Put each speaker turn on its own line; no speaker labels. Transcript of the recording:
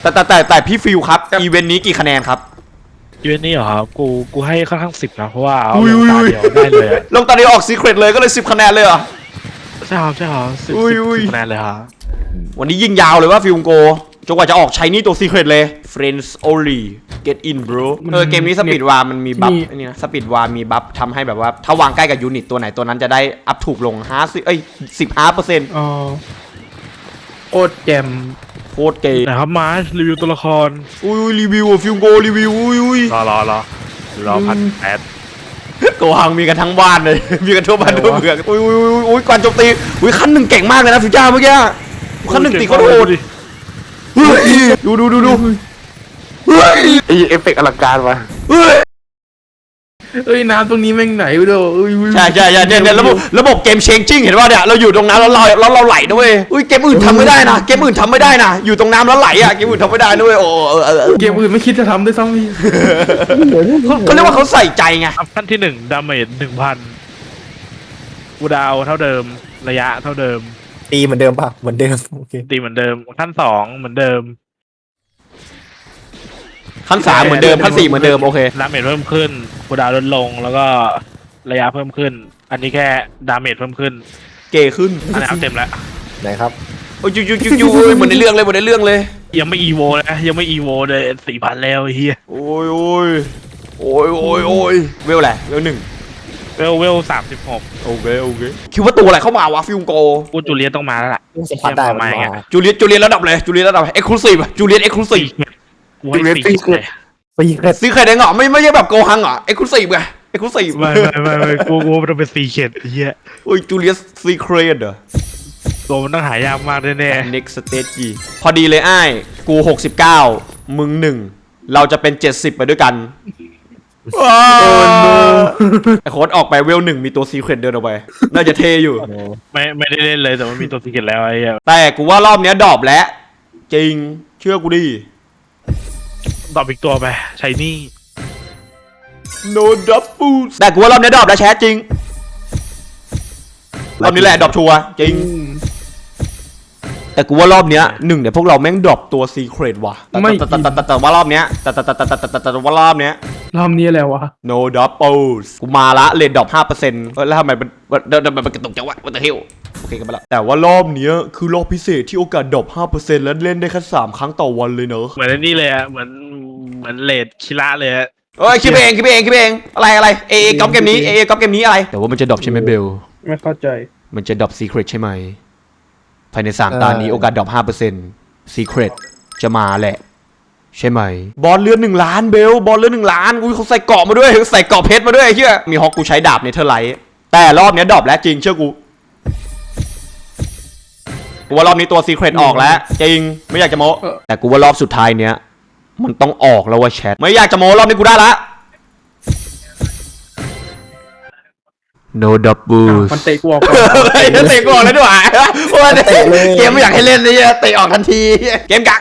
แต่พี่ฟิลครับอีเวนต์นี้กี่คะแนนครับ
อีเวนต์นี้เหรอครับกูให้ค่อนข้าง10นะเพราะว่าเอา
อุ้ย
ลงตาเดียวได้เลยอะ
ลงตอนนี้ออกซีเครตเลยก็เลย10 คะแนนเลยเหรอ
ใช่ครับ10
อุ้ย
คะแนนเลยครับ
วันนี้ยิงยาวเลยว่าฟิลโกจนกว่าจะออกใช้นี่ตัวซีเครตเลย Friends only get in bro เกมนี้สปีดวาร์มันมีบัฟไอ้นี่นะสปีดวาร์มีบัฟทำให้แบบว่าถ้าวางใกล้กับยูนิตตัวไหนตัวนั้นจะได้อัพถูกลง15%
อ๋อโคตรแจม
โคตรเก๋
นะครับมาร์ชรีวิวตัวละคร
อุ้ยรีวิวฟิลโกรีวิวอุ้ย
รอ1,800
โกหังมีกันทั้งบ้านเลย มีกันทั่วบ้านทั่วเมืองอุ้ยก่อนโจมตีอุ้ยขั้นหนึ่งเก่งมากเลยนะฟิวจ้าเมื่อกี้ขั้นหนึ่งตีเขาโดดเฮ้ยดูเฮ้ย
ไอเอฟเฟกต์อลังการวะ
เฮ้ย
เอ้ยน้ำตรงนี้แม่งไหนวะเด้อ
ใช่เนี่ยระบบเกมเชงจิ้งเห็นป่ะเนี่ยเราอยู่ตรงน้ำแล้วเราไหลด้วยอุ้ยเกมอื่นทำไม่ได้นะเกมอื่นทำไม่ได้นะอยู่ตรงน้ำแล้วไหลอ่ะเกมอื่นทำไม่ได้ด้วยโอ้
เกมอื่นไม่คิดจะทำด้วยซ้ำพี่
เขาเรียกว่าเขาใส่ใจไง
ขั้นที่1ดาเมจ 1,000กูดาวเท่าเดิมระยะเท่าเดิม
ตีเหมือนเดิมป่ะเหมือนเดิมโอเค
ตีเหมือนเดิมขั้น2เหมือนเดิม
ขั้น3เหมือนเดิมขั้น4เหมือนเดิมโอเค
ดาเมจเพิ่มขึ้นกูดาวลดลงแล้วก็ระยะเพิ่มขึ้น อันนี้แค่ดาเมจเพิ่มขึ้น
เก๋ขึ้น
อันนี้เอาเต็มแล้ว
ไหนครับ
โอ้ยยูเหมือนในเรื่องเลย
ยังไม่อีโวนะยังไม่อีโวเลย 4,000 แล้วไอ้เฮีย
โอ้ยเวลแหละเวล1
เวล36
โอเคคิดว่าตัวอะไรเข้ามาวะฟิลโก
กูจูเลียนต้องมาแล้วล่ะ
สัมผัสได้มันมา
จูเลียนระดับเลยจูเลียนระดับเอ็กซ์คลูซีฟจูเลียนเอ็กซ์คลูซีฟ
กูให้4เลย
ตีเล็ด
ซีเครตเองเหรอไม่ใช่แบบโกฮังเหรอเอ็กซ์คลูซีฟไงเอ็กซ์คลูซีฟ
ไม่กูมันต้องเป็น4เขตไอ้เฮีย
โอ้ยจูเลียนซีเครตเหรอ
ตัวมันต้องหายากมากแน่
next stage พอดีเลยอ้ายกู69มึง1เราจะเป็น70ไปด้วยกันไอโค้ดออกไปเวล1มีตัวซีเครตเดินออกไปน่าจะเทอยู่
ๆไม่ได้เล่นเลยแต่มันมีตัว4เขตแล้วไอ้เฮีย
แต่กูว่ารอบเนี้ยดรอปแล้วจริงเชื่อกูดิ
ตอบอีกตัวไปใช้นี่
no double แต่กูว่ารอบเนี้ยดรอปแล้วแชทจริงรอบนี้แหละดรอปชัวร์จริงแต่กูว่ารอบเนี้ยเดี๋ยวพวกเราแม่งดรอปตัวซีเครตว่ะแต่ว่ารอบเนี้ยแต่ว่ารอบเนี้ย
รอบนี้แล้ววะ
no doubles กูมาละเลนดรอป5%แล้วทำไมมันกระตุกจังวะ what the hell โอเคกันไปละแต่ว่ารอบเนี้ยคือรอบพิเศษที่โอกาสดรอป5%แล้วเล่นได้แค่3 ครั้งต่อวันเลยเนอะ
เหมือนนี่เลยอะเหมือนเลดคิระเลยอะ
เอ้ยคิดเองอะไรเอก๊อปเกมนี้ก๊อปเกมนี้อะไรแต่ว่ามันจะดรอปใช่ไหมเบล
ไม่เข้าใจ
มันจะดรอปซีเครตใช่ไหมภายใน3 ตานี้โอกาสดรอป5%ซีเครตจะมาแหละใช่ไหมบอลเลือด1 ล้านเบลบอลเลือด1 ล้านอุ้ยเขาใส่เกาะมาด้วยใส่เกาะเพชรมาด้วยไอ้เหี้ยมีฮอกกูใช้ดาบเนเธอร์ไลท์แต่รอบนี้ดรอปแล้วจริงเชื่อกูว่ารอบนี้ตัวซีเครตออกแล้วจริงไม่อยากจะโม้แต่กูว่ารอบสุดท้ายเนี้ยมันต้องออกแล้วว่าแชทไม่อยากจะโม้รอบนี้กูได้ละ no double
มันเตะกูออกก่อน
เตะกูออกแล้วด้วยโอ้ยเกมไม่อยากให้เล่นเลยเตะออกทันทีเกมกัก